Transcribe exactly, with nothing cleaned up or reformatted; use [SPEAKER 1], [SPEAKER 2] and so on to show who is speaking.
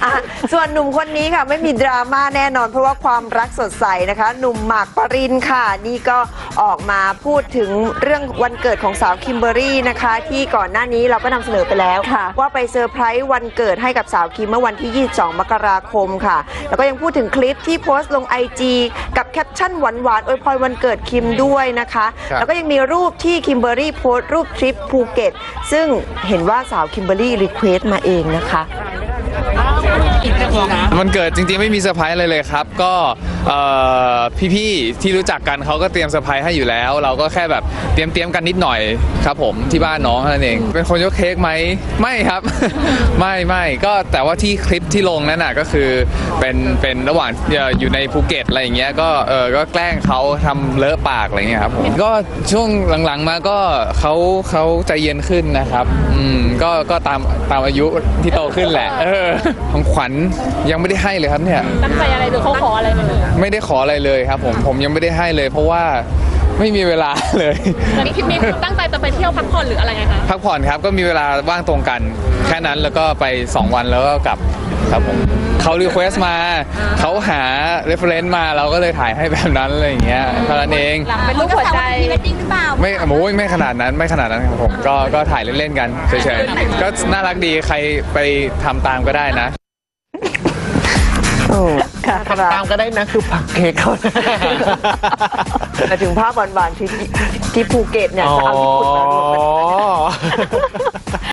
[SPEAKER 1] ส่วนหนุ่มคนนี้ค่ะไม่มีดราม่าแน่นอนเพราะว่าความรักสดใสนะคะหนุ่มหมากปรินค่ะนี่ก็ออกมาพูดถึงเรื่องวันเกิดของสาวคิมเบอร์รี่นะคะที่ก่อนหน้านี้เราก็นำเสนอไปแล้วว่าไปเซอร์ไพรส์วันเกิดให้กับสาวคิมเมื่อวันที่ยี่สิบสองมกราคมค่ะแล้วก็ยังพูดถึงคลิปที่โพสต์ลง ไอ จี กับแคปชั่นหวานๆอวยพรวันเกิดคิมด้วยนะคะแล้วก็ยังมีรูปที่คิมเบอร์รี่โพสต์รูปทริปภูเก็ตซึ่งเห็นว่าสาวคิมเบอร์รี่รีเควสต์มาเองนะคะ
[SPEAKER 2] มันเกิดจริงๆไม่มีเซอร์ไพรส์เลยเลยครับก็พี่ๆที่รู้จักกันเขาก็เตรียมเซอร์ไพรส์ให้อยู่แล้วเราก็แค่แบบเตรียมเตรียมกันนิดหน่อยครับผมที่บ้านน้องนั่นเองเป็นคนยกเค้กไหมไม่ครับ ไม่ไม่ก็แต่ว่าที่คลิปที่ลงนั่นน่ะก็คือเป็นเป็นระหว่างอยู่ในภูเก็ตอะไรอย่างเงี้ยก็เออก็แกล้งเขาทำเลอะปากอะไรเงี้ยครับผมก็ช่วงหลังๆมาก็เขาเขาใจเย็นขึ้นนะครับอืมก็ก็ตามตามอายุที่โตขึ้นแหละเออของขวัญยังไม่ได้ให้เลยครับเนี่ย
[SPEAKER 3] ตั้งใจอะไรหรือเขาขออะไรมาเลย
[SPEAKER 2] ไม่ได้ขออะไรเลยครับผมผมยังไม่ได้ให้เลยเพราะว่าไม่มีเวลาเลย
[SPEAKER 3] มีคิดมีตั้งใจจะไปเที่ยวพักผ่อนหรืออะไรไงคะ
[SPEAKER 2] พักผ่อนครับก็มีเวลาว่างตรงกันแค่นั้นแล้วก็ไปสองวันแล้วก็กลับครับผมเขารีเควสต์มาเขาหาเรฟเฟรนซ์มาเราก็เลยถ่ายให้แบบนั้นอะไรอย่างเงี้ยเท่านั้นเอง
[SPEAKER 3] เป็นรูปหัวใจ
[SPEAKER 4] พรีเวดดิ้งหรือเปล่า
[SPEAKER 2] ไม่โอ้ยไม่ขนาดนั้นไม่ขนาดนั้นครับผมก็ก็ถ่ายเล่นๆกันเฉยๆก็น่ารักดีใครไปทำตามก็ได้นะ
[SPEAKER 1] โอ้ค่ะ
[SPEAKER 5] ทำตามก็ได้นะคือปักเค้กเขา
[SPEAKER 1] แต่ถึงภาพหวานๆที่ที่ภูเก็ตเนี่ยจะเอาญี่ปุ่นมารวมกัน